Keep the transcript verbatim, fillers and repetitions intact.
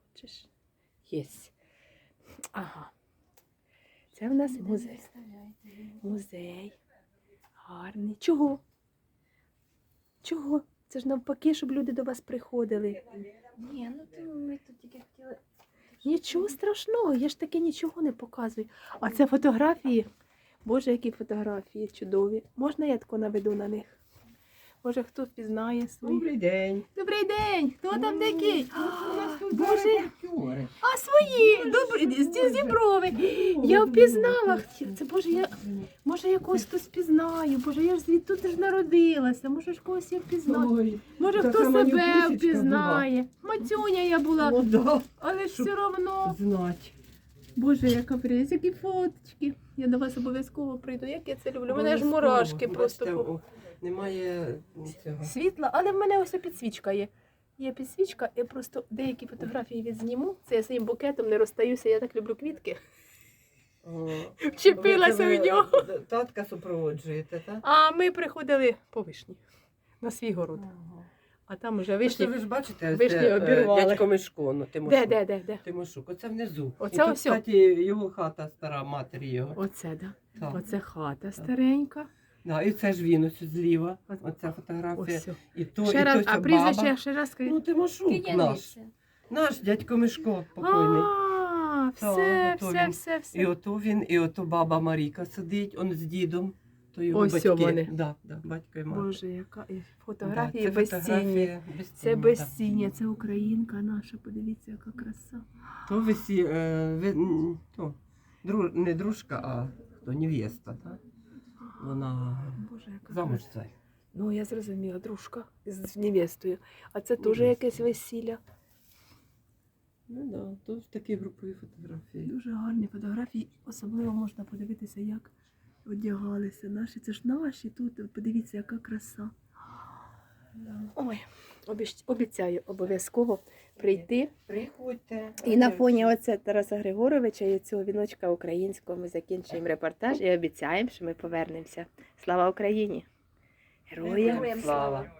Бачиш? Єсть. Ага. Це в нас музей. Музей. Гарний. Чого? Чого? Це ж навпаки, щоб люди до вас приходили. Ні, ну то ми тут тільки хотіли. Нічого страшного, я ж таки нічого не показую. А це фотографії. Боже, які фотографії чудові. Можна я тако наведу на них? Може, хто впізнає свої? Добрий день. Добрий день! Хто там такий? У нас тут Боже, репортери. а свої! Добрий, з Зіброви! Я впізнала. Це, Боже, я, може, я когось тут впізнаю. Боже, я ж звідти тут ж народилася. Може, ж когось я впізнаю. Ой, Може, така хто себе манюсечка впізнає. Мацюня я була, ну да, але ж щоб все одно. знать. Боже, яка прелість, які фоточки. Я до вас обов'язково прийду. Як я це люблю. У мене ж мурашки просто. Бачите, по- о, немає цього. Світла, але в мене ось підсвічка є. Є підсвічка, я просто деякі фотографії відзніму. Це я своїм букетом не розстаюся, я так люблю квітки. О, Вчепилася ви- в нього. ви Татка супроводжуєте, так? А ми приходили по вишні на свій город. А там уже Вишні, вишні. ви ж бачите, вишні це, е, обірвали. дядько Мишко, ну, Тимошук. Де, де, де, де? Тимошук, оце внизу. Оце І тут, ось. кстати, його хата стара, матері його. Оце, да. Так. Оце хата старенька. Да, і це ж він ось зліва, От- оця фотографія. Ось. І то, Ще і раз, то а ця прізвище баба. ще раз скажіть. Ну, Тимошук наш. Наш дядько Мишко покойний. А, Так, все, ото все, він. все, І все. ото він, і ото баба Маріка сидить, он з дідом. То його Ось батьки. вони. Да, да, батько і мати. Боже, яка і Да, фотографії це безцінні. фотографія Це безцінні, безціння, це українка наша, подивіться, яка краса. да. То висі, е, ви, м, то, дру, не дружка, а хто, невеста, так? Вона Боже, яка замуж краса. цей. Ну, я зрозуміла, дружка з невестою. А це теж Невеста. якесь весілля. Ну да, то ж такі групові фотографії. Дуже гарні фотографії. Особливо можна подивитися, як одягалися наші. Це ж наші тут. Подивіться, яка краса. Ой, обіщ- обіцяю обов'язково прийти. Приходьте. І на фоні оце Тараса Григоровича і цього віночка українського ми закінчуємо репортаж і обіцяємо, що ми повернемося. Слава Україні! Героям Героям слава! слава!